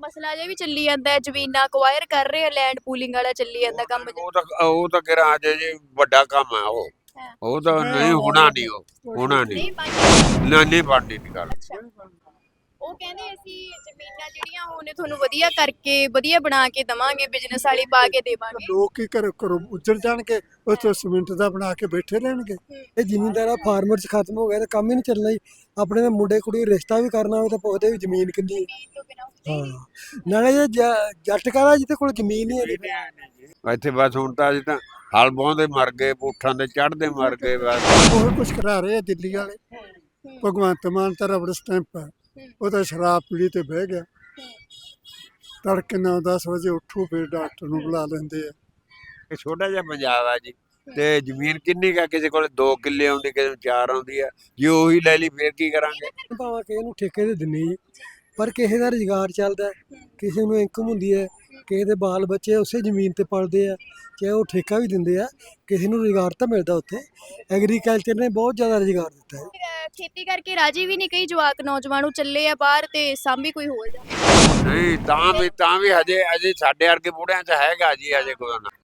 ਮਸਲਾ ਜਿਹਾ ਵੀ ਚੱਲੀ ਜਾਂਦਾ ਹੈ, ਜ਼ਮੀਨਾਂ ਅਕਵਾਇਰ ਕਰ ਰਹੇ ਆ, ਲੈਂਡ ਪੂਲਿੰਗ ਵਾਲਾ ਚੱਲੀ ਜਾਂਦਾ ਕੰਮ ਜਿਹਾ। ਉਹ ਤਾਂ ਕਿਹੜਾ ਅਜੇ ਜੀ ਵੱਡਾ ਕੰਮ ਹੈ ਉਹ। ਹਾਂ। ਉਹ ਤਾਂ ਨਹੀਂ ਹੋਣਾ, ਨਹੀਂ ਉਹ ਹੋਣਾ ਨਹੀਂ। ਨਹੀਂ ਬਣਦੀ। ਨਹੀਂ ਬਣਦੀ ਦੀ ਗੱਲ। ਅੱਛਾ, ਉਹ ਕਹਿੰਦੇ ਅਸੀਂ ਜ਼ਮੀਨਾਂ ਜਿਹੜੀਆਂ ਹੁਣ ਤੁਹਾਨੂੰ ਵਧੀਆ ਕਰਕੇ ਵਧੀਆ ਬਣਾ ਕੇ ਦਵਾਂਗੇ, ਬਿਜ਼ਨਸ ਵਾਲੀ ਪਾ ਕੇ ਦੇਵਾਂਗੇ। ਲੋਕ ਕੀ ਕਰੋ ਉੱਜੜ ਜਾਣਗੇ, ਉੱਥੇ ਸੀਮਿੰਟ ਦਾ ਬਣਾ ਕੇ ਬੈਠੇ ਰਹਿਣਗੇ। ਇਹ ਜ਼ਿਮੀਂਦਾਰਾ ਫਾਰਮਰ ਚ ਖਤਮ ਹੋ ਗਿਆ ਤਾਂ ਕੰਮ ਹੀ ਨਹੀਂ ਚੱਲਣਾ ਜੀ। ਆਪਣੇ ਦੇ ਮੁੰਡੇ ਕੁੜੀ ਰਿਸ਼ਤਾ ਵੀ ਕਰਨਾ ਹੋਵੇ ਤਾਂ ਪੁੱਛਦੇ ਵੀ ਜ਼ਮੀਨ ਕਿੰਨੀ ਹੈ। ਜ਼ਮੀਨ ਤੋਂ ਬਿਨਾਂ ਹੁੰਦੇ ਹੀ ਨਹੀਂ। ਨਾਲੇ ਜੇ ਜੱਟ ਕਾਰਾ ਜਿਹਦੇ ਕੋਲ ਜ਼ਮੀਨ ਹੀ ਹੈ। ਇੱਥੇ ਬਸ ਹੁਣ ਤਾਂ ਅਜੇ ਤਾਂ ਹਲ ਬਾਉਂਦੇ ਮਰ ਗਏ, ਪੁੱਠਾਂ ਦੇ ਚੜ੍ਹਦੇ ਮਰ ਗਏ ਬਸ। ਉਹ ਕੁਝ ਕਰਾ ਰਹੇ ਆ ਦਿੱਲੀ ਵਾਲੇ। ਭਗਵੰਤ ਮਾਨ ਤਾਂ ਰਬੜ ਸਟੈਂਪ ਹੈ, ਉਹ ਤਾਂ ਸ਼ਰਾਬ ਪੀੜੀ ਤੇ ਬਹਿ ਗਿਆ। ਤੜਕੇ 9-10 ਵਜੇ ਉੱਠੂ, ਫਿਰ ਡਾਕਟਰ ਨੂੰ ਬੁਲਾ ਲੈਂਦੇ ਆ। ਇਹ ਛੋਟਾ ਜਿਹਾ ਪੰਜਾਬ ਆ ਜੀ, ਤੇ ਜ਼ਮੀਨ ਕਿੰਨੀ ਕਾ, ਕਿਸੇ ਕੋਲ 2 ਕਿੱਲੇ ਆਉਂਦੀ, ਕਿਸੇ ਨੂੰ 4 ਆਉਂਦੀ ਆ। ਜੇ ਉਹੀ ਲੈ ਲਈ ਫੇਰ ਕੀ ਕਰਾਂਗੇ। ਭਾਵੇਂ ਕਿਸੇ ਨੂੰ ਠੇਕੇ ਤੇ ਦਿੰਦੇ ਜੀ, ਪਰ ਕਿਸੇ ਦਾ ਰੁਜ਼ਗਾਰ ਚੱਲਦਾ, ਕਿਸੇ ਨੂੰ ਇਨਕਮ ਹੁੰਦੀ ਹੈ, ਕਿਸੇ ਦੇ ਬਾਲ ਬੱਚੇ ਉਸੇ ਜ਼ਮੀਨ ਤੇ ਪਲਦੇ ਆ, ਚਾਹੇ ਉਹ ਠੇਕਾ ਵੀ ਦਿੰਦੇ ਆ, ਕਿਸੇ ਨੂੰ ਰੁਜ਼ਗਾਰ ਤਾਂ ਮਿਲਦਾ ਉੱਥੇ। ਐਗਰੀਕਲਚਰ ਨੇ ਬਹੁਤ ਜ਼ਿਆਦਾ ਰੁਜ਼ਗਾਰ ਦਿੱਤਾ ਹੈ। ਖੇਤੀ ਕਰਕੇ ਰਾਜੀ ਵੀ ਨਹੀਂ ਕਈ ਜਵਾਕ ਨੌਜਵਾਨ ਉਹ ਚੱਲੇ ਆ ਬਾਹਰ ਤੇ ਸਾਂਭੀ ਕੋਈ ਹੋਰ ਜਾ। ਨਹੀਂ ਤਾਂ ਵੀ ਹਜੇ ਸਾਡੇ ਵਰਗੇ ਬੁੜਿਆਂ 'ਚ ਹੈਗਾ ਜੀ, ਹਜੇ ਕੋਈ ਨਾ।